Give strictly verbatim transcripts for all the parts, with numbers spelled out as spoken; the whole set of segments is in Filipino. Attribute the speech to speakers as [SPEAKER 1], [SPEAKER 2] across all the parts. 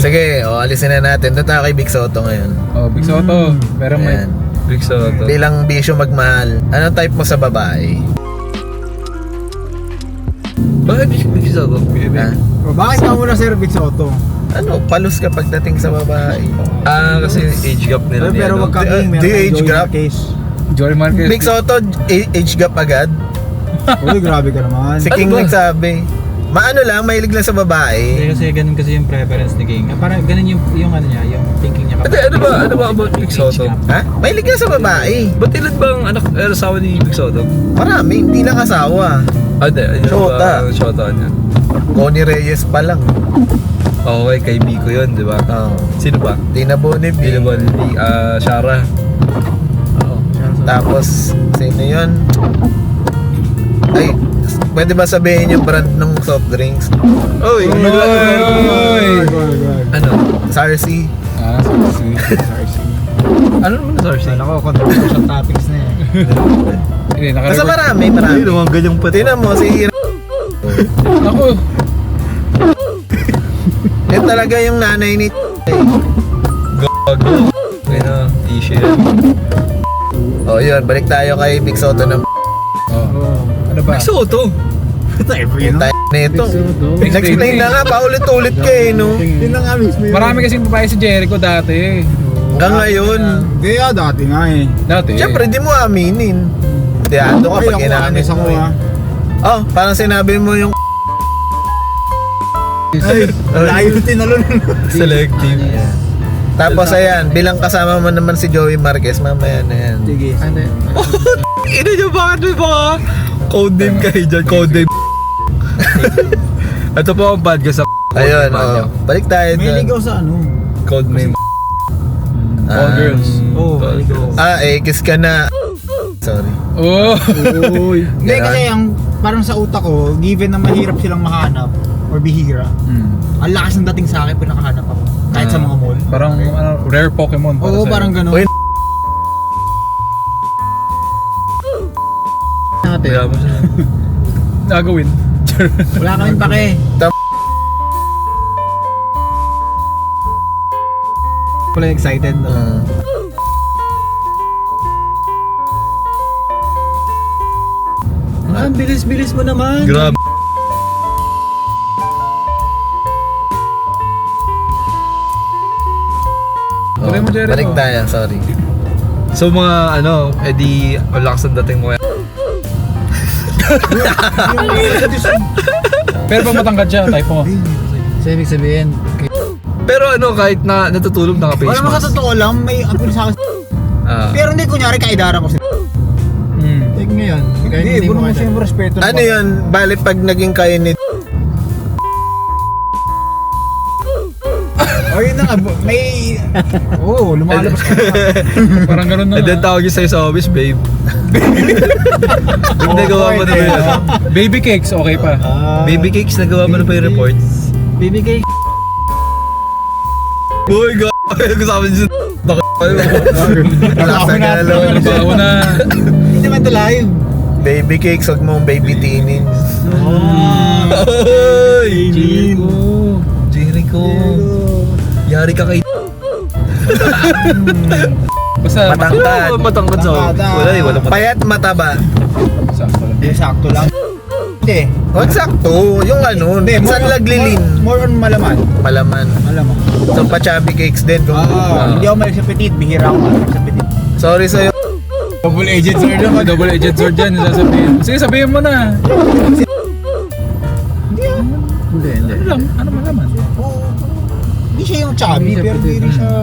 [SPEAKER 1] Sige, o, alisin na natin. Doon tayo kay Big Soto ngayon.
[SPEAKER 2] Oh, Big Soto. Pero may...
[SPEAKER 1] Ayan.
[SPEAKER 3] Big Soto.
[SPEAKER 1] Bilang bisyo magmahal, anong type mo sa babae?
[SPEAKER 3] Bakit Big Soto?
[SPEAKER 1] Ha?
[SPEAKER 4] O, bakit ka muna Sir Big Soto?
[SPEAKER 1] Ano, palus ka pagdating sa babae?
[SPEAKER 3] Ah, kasi age gap nila
[SPEAKER 4] Pero,
[SPEAKER 3] ni
[SPEAKER 4] pero
[SPEAKER 3] ano.
[SPEAKER 4] wag kang
[SPEAKER 1] Di-
[SPEAKER 4] meron
[SPEAKER 1] di
[SPEAKER 4] kang
[SPEAKER 1] age
[SPEAKER 4] Joey
[SPEAKER 1] gap?
[SPEAKER 4] Marquez.
[SPEAKER 2] Joel Marquez.
[SPEAKER 1] Big Soto, a- age gap agad?
[SPEAKER 4] Uy, grabe ka naman.
[SPEAKER 1] Si
[SPEAKER 3] Ano
[SPEAKER 1] King
[SPEAKER 3] ba?
[SPEAKER 1] nagsabi. Maano lang, mahilig lang sa
[SPEAKER 5] Hindi
[SPEAKER 1] babae.
[SPEAKER 5] kasi ganun kasi yung preference ni King. Parang ganun yung, yung ano niya, yung thinking niya.
[SPEAKER 3] Ate, ano ba? Ano ba about Big Soto?
[SPEAKER 1] Ha? Mahilig lang sa babae.
[SPEAKER 3] Ba't ilan ba ang anak, eh, asawa ni Big Soto?
[SPEAKER 1] Marami, hindi lang asawa.
[SPEAKER 3] Ah, di. Ayun
[SPEAKER 1] Shota.
[SPEAKER 3] ba ang shota niya?
[SPEAKER 1] Connie Reyes pa lang.
[SPEAKER 3] Okay, kay Biko yun, di ba?
[SPEAKER 1] Oh.
[SPEAKER 3] Sino ba?
[SPEAKER 1] Tina Bonnevie.
[SPEAKER 3] Hindi ba ni ah, Shara?
[SPEAKER 1] Oo. Tapos, sino yun? Ay, pwede ba sabihin yung brand ng soft drinks?
[SPEAKER 3] Oy!
[SPEAKER 2] Oy!
[SPEAKER 3] Ano?
[SPEAKER 1] Sarsi.
[SPEAKER 2] Ah, sorry.
[SPEAKER 3] Ano naman na Sarsi?
[SPEAKER 4] Ako, controversial topics na eh.
[SPEAKER 2] Hindi,
[SPEAKER 1] Basta
[SPEAKER 2] naka-record.
[SPEAKER 1] marami, marami.
[SPEAKER 3] Ay, naman ganyang pati.
[SPEAKER 1] Tingnan mo, si
[SPEAKER 2] Ako.
[SPEAKER 1] yan talaga yung nanay ni
[SPEAKER 3] Gago. Ayun na, issue yan.
[SPEAKER 1] Oh, yun, balik tayo kay Big Soto ng
[SPEAKER 2] Oh. Ano ba?
[SPEAKER 3] Big Soto!
[SPEAKER 4] Every, no?
[SPEAKER 1] tayo nito. Nag-explain na nga, paulit-ulit ka eh, no?
[SPEAKER 4] Yun na nga mismo yun.
[SPEAKER 2] Marami kasing babae si Jericho dati.
[SPEAKER 1] Hanggang ngayon.
[SPEAKER 4] Hindi ah, dati nga eh.
[SPEAKER 2] Dati.
[SPEAKER 1] Siyempre, di mo aminin. Diado ka pag inamin
[SPEAKER 4] ako
[SPEAKER 1] mo eh.
[SPEAKER 4] ah.
[SPEAKER 1] Oh, parang sinabi mo yung
[SPEAKER 4] Ay, layo tinalon.
[SPEAKER 3] Selective.
[SPEAKER 1] tapos ayan, bilang kasama mo naman si Joey Marquez, mamaya na yan.
[SPEAKER 4] Sige.
[SPEAKER 3] Ina nyo, bakit may mga code name kayo dyan? Code name. Ito po ang bad ka sa
[SPEAKER 1] Ayun, oh. Balik tayo
[SPEAKER 4] May
[SPEAKER 1] doon.
[SPEAKER 4] ligaw sa ano.
[SPEAKER 3] code name.
[SPEAKER 2] All
[SPEAKER 1] Ah,
[SPEAKER 2] girls.
[SPEAKER 4] Oo, may ligaw.
[SPEAKER 1] Ah, eh, kiss ka na. Sorry.
[SPEAKER 2] Oh.
[SPEAKER 4] Uy. Hindi
[SPEAKER 1] Ganon.
[SPEAKER 4] kasi ang parang sa utak ko, given na mahirap silang makahanap or bihira,
[SPEAKER 2] Hmm.
[SPEAKER 4] ang lakas ng dating sa akin pag nakahanap ako. Kahit sa mga mall.
[SPEAKER 2] Parang ano, rare Pokemon. para
[SPEAKER 4] Oo,
[SPEAKER 2] sa'yo.
[SPEAKER 4] parang gano'n.
[SPEAKER 1] Uy,
[SPEAKER 3] Kaya mo siya.
[SPEAKER 2] Nagawin.
[SPEAKER 4] Wala kaming pake. Wala excited no?
[SPEAKER 1] ah.
[SPEAKER 4] Ah, ang bilis-bilis mo naman.
[SPEAKER 3] Grabe.
[SPEAKER 1] Oh,
[SPEAKER 2] Tuloy mo, Jericho.
[SPEAKER 1] balik tayo, sorry.
[SPEAKER 3] So mga ano, edi ang lakas ng dating mo yan.
[SPEAKER 2] Pero pag matangkad siya, type mo.
[SPEAKER 4] So, ibig sabihin,
[SPEAKER 3] Pero ano, kahit na natutulog naka-face
[SPEAKER 4] wala naman sa
[SPEAKER 3] mask.
[SPEAKER 4] totoo lang, may apil sa akin.
[SPEAKER 3] Ah.
[SPEAKER 4] Pero hindi, kunyari, kaidara ko sila.
[SPEAKER 2] Hmm.
[SPEAKER 4] Like ngayon, kahit
[SPEAKER 5] Hindi,
[SPEAKER 4] hindi mo
[SPEAKER 5] puro mo
[SPEAKER 4] kasi
[SPEAKER 5] siyempre respeto.
[SPEAKER 1] Ano yun? Bali pag naging kayo ni
[SPEAKER 4] O yun na nga, bu- may... Oo, oh, lumalabas ka na.
[SPEAKER 2] Parang ganun na.
[SPEAKER 3] And then tawag yun sa'yo sa office, babe. Babe, nagawa mo na ba yun?
[SPEAKER 2] Baby cakes, okay pa.
[SPEAKER 4] Ah,
[SPEAKER 3] Baby cakes, nagawa mo na ba yung reports?
[SPEAKER 4] baby cake.
[SPEAKER 3] Boy, g***. Kasama niyo sa
[SPEAKER 1] Nasa galaw.
[SPEAKER 2] Bago na.
[SPEAKER 4] Hindi naman ito live.
[SPEAKER 1] Baby cakes, huwag mong baby tinin.
[SPEAKER 4] Oh,
[SPEAKER 3] Oy!
[SPEAKER 4] Jericho.
[SPEAKER 3] Jericho. Yari ka kay...
[SPEAKER 2] Basta
[SPEAKER 1] Matangkad.
[SPEAKER 3] Oh, matangkad sa
[SPEAKER 4] Matangkad.
[SPEAKER 3] Wala eh, walang matangkad.
[SPEAKER 1] Payat mataba.
[SPEAKER 2] sakto lang.
[SPEAKER 4] Hindi, sakto lang. Hindi.
[SPEAKER 1] Huwag sakto. Yung ano, minsan laglilin.
[SPEAKER 4] More, more on malaman.
[SPEAKER 1] Malaman.
[SPEAKER 4] Malaman.
[SPEAKER 1] So, pa-chubby cakes din. Kung,
[SPEAKER 4] Ah, hindi ako malik sa petit. Bihira ako malik sa petit.
[SPEAKER 1] sorry sa'yo.
[SPEAKER 2] Double agent sword naman, double agent sword dyan, sasabihin. Sige, sabihin mo na.
[SPEAKER 4] Hindi, hindi.
[SPEAKER 2] Ano lang, ano man naman.
[SPEAKER 4] Oo. Hindi siya yung chubby, pero hindi rin siya...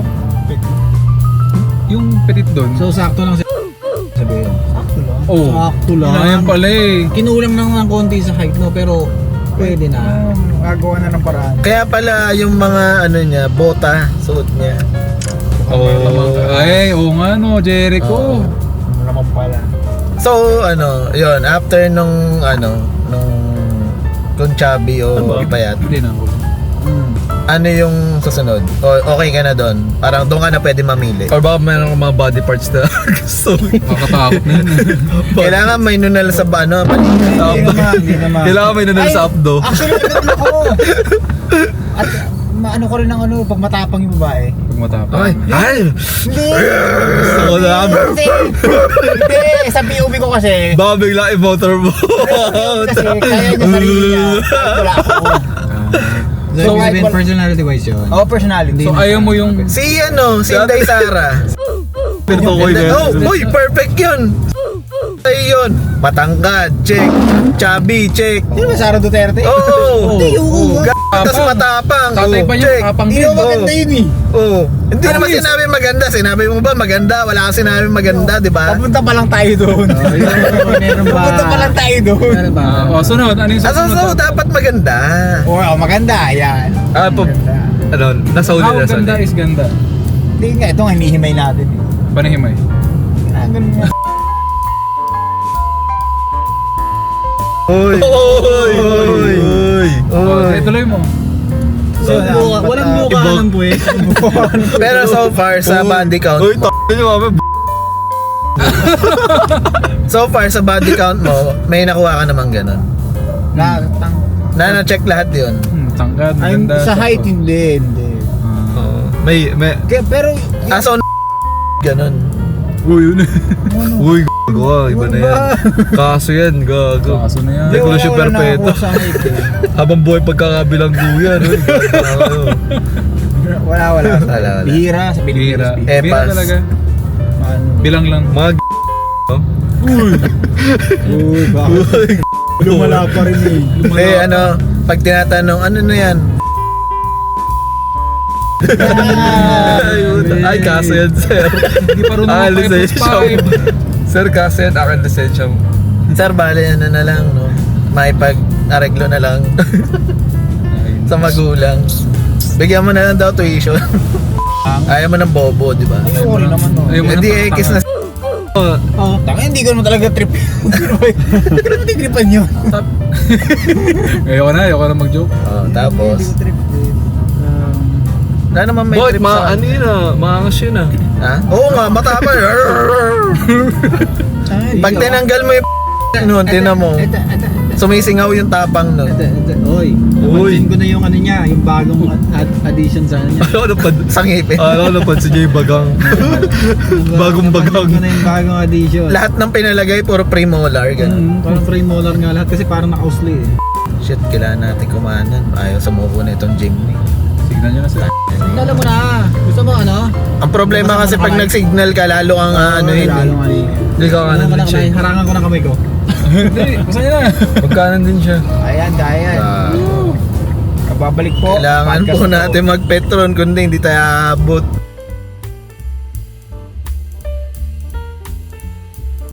[SPEAKER 2] Yung petit doon.
[SPEAKER 5] So, sakto lang si... Sabihin.
[SPEAKER 4] Sakto lang.
[SPEAKER 2] Oh,
[SPEAKER 4] Sakto lang.
[SPEAKER 2] Ayan pala eh.
[SPEAKER 5] Kinulang lang ng konti sa height, no? Pero, pwede na.
[SPEAKER 4] Gagawa na ng paraan.
[SPEAKER 1] Kaya pala yung mga ano niya, bota, suot niya.
[SPEAKER 3] Oh.
[SPEAKER 2] Ay, oo nga no, Jericho.
[SPEAKER 4] Ano naman pala.
[SPEAKER 1] So, ano, yon after nung, ano, nung, kung chubby o
[SPEAKER 3] Ano ba?
[SPEAKER 1] payat,
[SPEAKER 2] Hindi na ako.
[SPEAKER 1] ano yung susunod? O, okay ka na doon? Parang doon ka na pwede mamili.
[SPEAKER 3] Or baka mayroon kang mga body parts na gusto mo.
[SPEAKER 2] Makatakot na yun.
[SPEAKER 1] Kailangan may nunal sa ba- ano,
[SPEAKER 4] Hindi
[SPEAKER 1] paligid.
[SPEAKER 4] naman, hindi naman.
[SPEAKER 3] Kailangan may nanal
[SPEAKER 4] Ay,
[SPEAKER 3] sa updo.
[SPEAKER 4] Actually, meron ako. At maano ko rin ng ano, pag matapang yung babae.
[SPEAKER 2] Pag matapang.
[SPEAKER 3] Ay! Ay!
[SPEAKER 4] Hindi!
[SPEAKER 3] Gusto ko na.
[SPEAKER 4] Hindi! Hindi! Sa P O V ko kasi,
[SPEAKER 3] Baka bigla i-motor mo.
[SPEAKER 4] kasi kaya niya sarili niya. Wala ako.
[SPEAKER 5] So,
[SPEAKER 4] So,
[SPEAKER 5] ibig sabihin,
[SPEAKER 4] wal-
[SPEAKER 5] personality wise yun.
[SPEAKER 4] Oh, personality.
[SPEAKER 2] So ayaw mo yung...
[SPEAKER 1] Si ano, si Inday Sara.
[SPEAKER 3] Pero ko
[SPEAKER 1] Inday-
[SPEAKER 3] yun.
[SPEAKER 1] oh, boy, perfect yun. Ay yun. Matangkad, check. Chubby, check.
[SPEAKER 4] Sino ba Sara Duterte?
[SPEAKER 1] Oo.
[SPEAKER 4] Hindi, oo.
[SPEAKER 1] Tapos matapang.
[SPEAKER 2] Tatay
[SPEAKER 1] Oo,
[SPEAKER 2] pa niya,
[SPEAKER 1] check.
[SPEAKER 2] kapang
[SPEAKER 4] Hindi
[SPEAKER 2] din.
[SPEAKER 4] naman maganda yun eh.
[SPEAKER 1] Oo. Hindi
[SPEAKER 2] Ano
[SPEAKER 1] naman
[SPEAKER 2] yun?
[SPEAKER 1] sinabi maganda. Sinabi mo ba maganda? Wala kang sinabi maganda, di ba?
[SPEAKER 4] Papunta pa lang tayo doon.
[SPEAKER 5] Meron ba?
[SPEAKER 4] Papunta pa lang tayo doon.
[SPEAKER 5] Meron ba?
[SPEAKER 2] Ah, oh, sunod. Ano yung
[SPEAKER 1] Ah, so,
[SPEAKER 2] susunod?
[SPEAKER 1] so, dapat maganda.
[SPEAKER 4] Oo, oh, maganda. Yan.
[SPEAKER 3] Ah, pa,
[SPEAKER 4] Maganda.
[SPEAKER 3] ano, nasa uli,
[SPEAKER 2] How
[SPEAKER 3] nasa
[SPEAKER 2] ganda
[SPEAKER 3] uli.
[SPEAKER 2] is ganda?
[SPEAKER 4] Hindi nga, ito nga hinihimay natin. eh.
[SPEAKER 2] Panahimay.
[SPEAKER 4] Ah, ganun nga.
[SPEAKER 1] Oy. Oy. Oy.
[SPEAKER 2] Oh,
[SPEAKER 1] Oy.
[SPEAKER 2] eh, tuloy mo.
[SPEAKER 4] So,
[SPEAKER 5] Buka- walang buka ng buwet.
[SPEAKER 1] Pero so far sa body count
[SPEAKER 3] Uy,
[SPEAKER 1] mo,
[SPEAKER 3] t***, nyo kami.
[SPEAKER 1] so far sa body count mo, may nakuha ka namang ganun.
[SPEAKER 4] Na, tang,
[SPEAKER 1] Na na-check lahat yun.
[SPEAKER 2] Hmm, tangkad,
[SPEAKER 4] ay,
[SPEAKER 2] maganda.
[SPEAKER 4] sa height
[SPEAKER 2] sakto.
[SPEAKER 4] hindi, hindi.
[SPEAKER 2] Ah.
[SPEAKER 3] Oo. May, may,
[SPEAKER 4] Kaya, pero,
[SPEAKER 1] Ah, so ganun.
[SPEAKER 3] uy, yun. Uy, gago, iba na yan. Kaso yan, gago.
[SPEAKER 2] Kaso na yan.
[SPEAKER 3] Hindi ko na siya
[SPEAKER 4] wala
[SPEAKER 3] perpeto.
[SPEAKER 4] nakakuha sa height eh.
[SPEAKER 3] Habang buhay pagkakabilang guyan. Uy, gago.
[SPEAKER 4] Wala, wala.
[SPEAKER 1] Wala, wala.
[SPEAKER 4] Bihira sa
[SPEAKER 2] Bihira.
[SPEAKER 4] Pilipinas.
[SPEAKER 1] Eh,
[SPEAKER 2] Bihira
[SPEAKER 1] pass.
[SPEAKER 2] talaga.
[SPEAKER 4] Ano?
[SPEAKER 2] Bilang lang.
[SPEAKER 3] Mga g***. no?
[SPEAKER 4] Uy, bakit? Lumala pa rin eh.
[SPEAKER 1] Eh, ano, pag tinatanong, ano na yan?
[SPEAKER 3] Ay, puta. Ay, kaso yan, sir.
[SPEAKER 2] Hindi pa rin
[SPEAKER 3] Ah,
[SPEAKER 2] naman
[SPEAKER 3] lisensya mo. Sir, kaso yan, akin lisensya mo.
[SPEAKER 1] Sir, bali, ano na lang, no? May pag-areglo na lang sa magulang. Bigyan mo na lang daw tuition. Ayaw mo ng bobo, di ba?
[SPEAKER 4] Ayoko rin naman no.
[SPEAKER 2] Ayaw mo
[SPEAKER 1] Hindi,
[SPEAKER 2] ng
[SPEAKER 1] eh, kiss na.
[SPEAKER 3] Oh,
[SPEAKER 4] Oh, tanga, hindi ko naman talaga trip. Hindi ko naman tripan yun.
[SPEAKER 2] Ayoko na, ayoko na mag-joke.
[SPEAKER 1] Oh, tapos,
[SPEAKER 4] Hindi ko trip din. Um,
[SPEAKER 1] wala naman may
[SPEAKER 3] boy,
[SPEAKER 1] trip
[SPEAKER 3] ma,
[SPEAKER 1] sa...
[SPEAKER 3] ano yun ah, maangas yun ah.
[SPEAKER 1] Ha? Oo nga, matapang. Pag tinanggal mo yung nun, tinan mo.
[SPEAKER 5] Ito, ito, ito.
[SPEAKER 1] Sumisingaw yung tapang nun.
[SPEAKER 5] Ito, ito. Oy,
[SPEAKER 3] Uy.
[SPEAKER 5] napansin ko na yung ano niya, yung bagong ad- ad- addition sa ano niya.
[SPEAKER 3] Ano ko napad...
[SPEAKER 1] Sa ngipin.
[SPEAKER 3] Ano ko napansin niya yung bagang. Bagong bagang.
[SPEAKER 5] Napansin ko na yung bagong addition.
[SPEAKER 1] Lahat ng pinalagay, puro premolar. Ganun.
[SPEAKER 5] Mm, parang premolar nga lahat kasi parang naka-usli eh.
[SPEAKER 1] Shit, kailangan natin kumanan. Ayaw sumuko na itong Jimny.
[SPEAKER 2] Signan nyo na sila.
[SPEAKER 5] Alam mo na, gusto mo ano?
[SPEAKER 1] Ang problema kasi pag nag-signal ka, lalo kang uh, ano yun.
[SPEAKER 5] Lalo
[SPEAKER 1] eh.
[SPEAKER 5] nga eh.
[SPEAKER 3] Hindi ka
[SPEAKER 5] Ano
[SPEAKER 3] kanan
[SPEAKER 5] ka
[SPEAKER 3] din
[SPEAKER 5] na
[SPEAKER 3] siya.
[SPEAKER 5] kamay, harangan ko na kamay ko.
[SPEAKER 2] Hindi, basta nyo na.
[SPEAKER 3] Magkanan din siya.
[SPEAKER 4] Ayan, ayan.
[SPEAKER 1] Ah,
[SPEAKER 4] Babalik po.
[SPEAKER 1] kailangan
[SPEAKER 4] Podcast
[SPEAKER 1] po
[SPEAKER 4] po.
[SPEAKER 1] natin mag-petron kundi hindi tayo abot.